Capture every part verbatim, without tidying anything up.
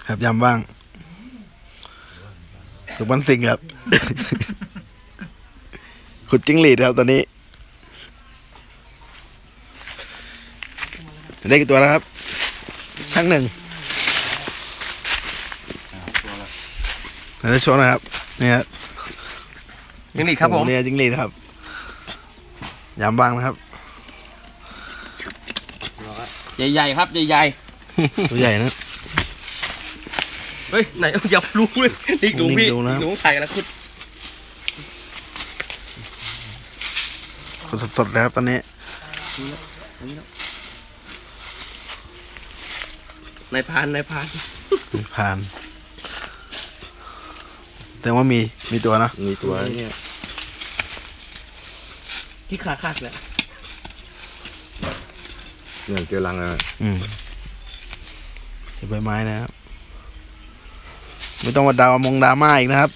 ครับยำบ้างถูกบันสิงครับ ขุดจิ้งหรีดครับตอนนี้ได้กี่ตัวแล้วครับช่างหนึ่งเราจะโชว์นะครับนี่ครับจิ้งหรีดครับผมเนี่ยจิ้งหรีดครับยำบ้างนะครับใหญ่ๆครับใหญ่ตัวใหญ่นะๆเฮ้ยไหนอย่ารู้เลยนี่ดูพี่ดูนะดูไข่กันนะคุณสดๆเลยครับตอนนี้นายพานนายพานผ่าน แต่ว่ามีมีตัวนะมีตัวเนี่ยที่ขาขาดแหละเนี่ยเจอรังแล้วอืมเห็นใบไม้นะครับ ไม่ต้องมาดาวมงดราม่าอีกนะครับ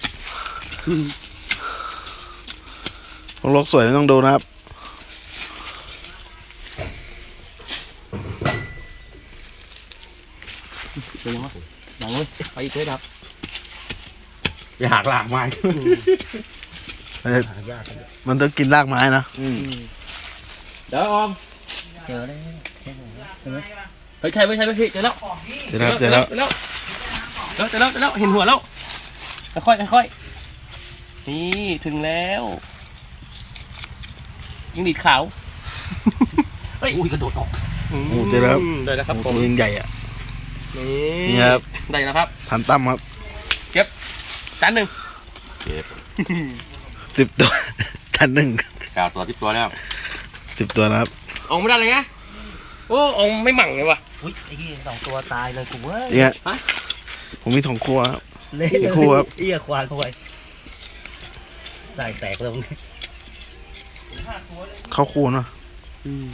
พวกโลกสวยไม่ต้องดูนะครับเป็นยังไงดังเลยไปอีกเลยครับอยากหลากไม้เอ้ยมันต้องกินรากไม้นะเดี๋ยวออมเจอแล้วเฮ้ยใช่ไหมใช่ไหมพี่เจอแล้วเจอแล้วเจอแล้วเจอแล้วเจอแล้วเจอแล้วเห็นหัวแล้วค่อยค่อยนี่ถึงแล้วยิงดีดขาวเฮ้ยอุ้ยกระโดดออกโอ้เจอแล้วได้แล้วครับผตัมวยังใหญ่อ่ะนี่นี่ครับได้แล้วครับทันตั้มครับจานหนึ่งเก็บสิบตัว ทันหนึ่งเก้าตัวที่ตัวแล้วสิบตัวนะครับออกไม่ได้เลยไงโอ้ออกไม่หมั่งเลยว่ะอุ้ยไอ้ที่สองตัวตายเลยกูเว้ยเนี่ยฮะผมมีสองครัวครับเละอีกคู่ครับเอี้ยควานเข้าไปได้แตกเลยเข้าครัวเนาะอืม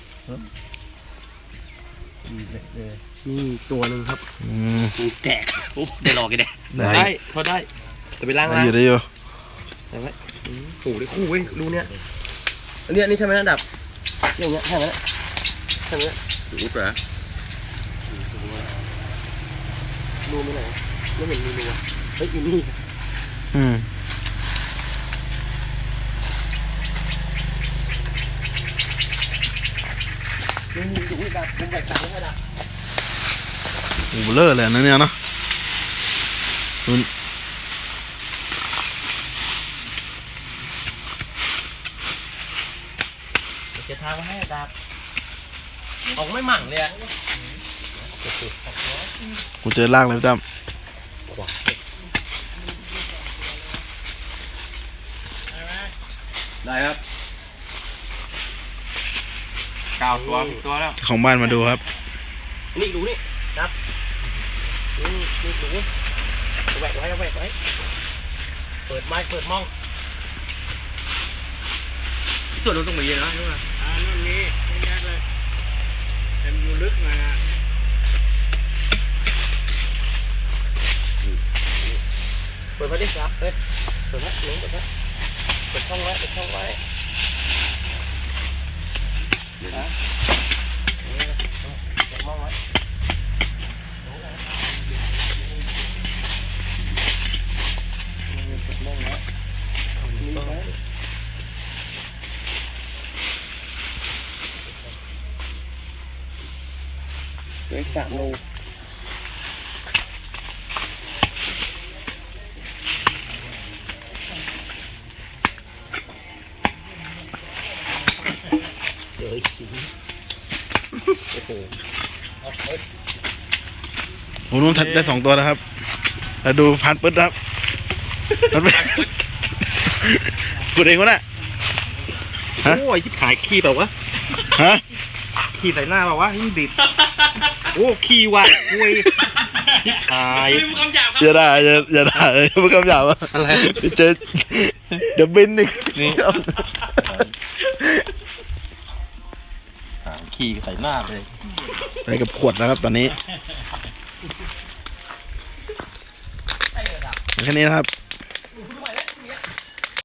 เลยนี่ตัวหนึ่งครับอืมแตกโอ้ได้รอกันได้ได้ได้พอได้จะไปล้างได้ล้างอยู่ได้อยู่ได้ไหมอืมโอ้โหได้คู่เว้ยดูเนี่ยอันนี้อันนี้ใช่ไหมระดับอย่างเงี้ยใช่ไหมใช่ไหมรู้ปะดูไม่ไหนไม่เห็นมีดูอ่ะเฮ้ยอยู่นี่อืมนี่ดูนี่ดับผมแบกสามระดับโอ้โหเบลอเลยนะเนี่ยเนาะนู่นจะทางมาให้ดาบออกไม่หมั่งเลยอ่ะกูเจอรากเลยพี่ตั้มได้ครับเก้าตัวที่ตัวแล้วของบ้านมาดูครับนี่ดูนี่ครับนี่นี่ดูเอาแหวกไว้เอาแหวกไว้เปิดไม้เปิดมองส่วนนู้นต้องมีนะใช่ไหมอ่านั่นมีไม่แยกเลยแต่มันอยู่ลึกหน่อยนะเปิดไว้ดิครับเฮ้ยเปิดไว้หนูเปิดไว้เปิดช่องไว้เปิดช่องไว้นะเปิดมองไว้เปิดมองไว้นี่ไว้เฮ้ยสามโลเจออีกทีผมนู้นทัดได้สองตัวแล้วครับแล้วดูพันปึ๊ดครับพันปึ๊ดกูเองวะน่ะ ฮะโอ้ยชิบหายขี้แบบวะฮะขี้ใส่หน้าแบบวะยิ่งดิดโอ้ขี้ว่ะคุยชิบหายลืมคำหยาบครับอย่าด่าอย่าอย่าด่าเลยพูดคำหยาบอ่ะอะไรเจอเดี๋ยวบินอีกขี้ใส่หน้าเลยไปกับขวดนะครับตอนนี้แค่นี้นะครับ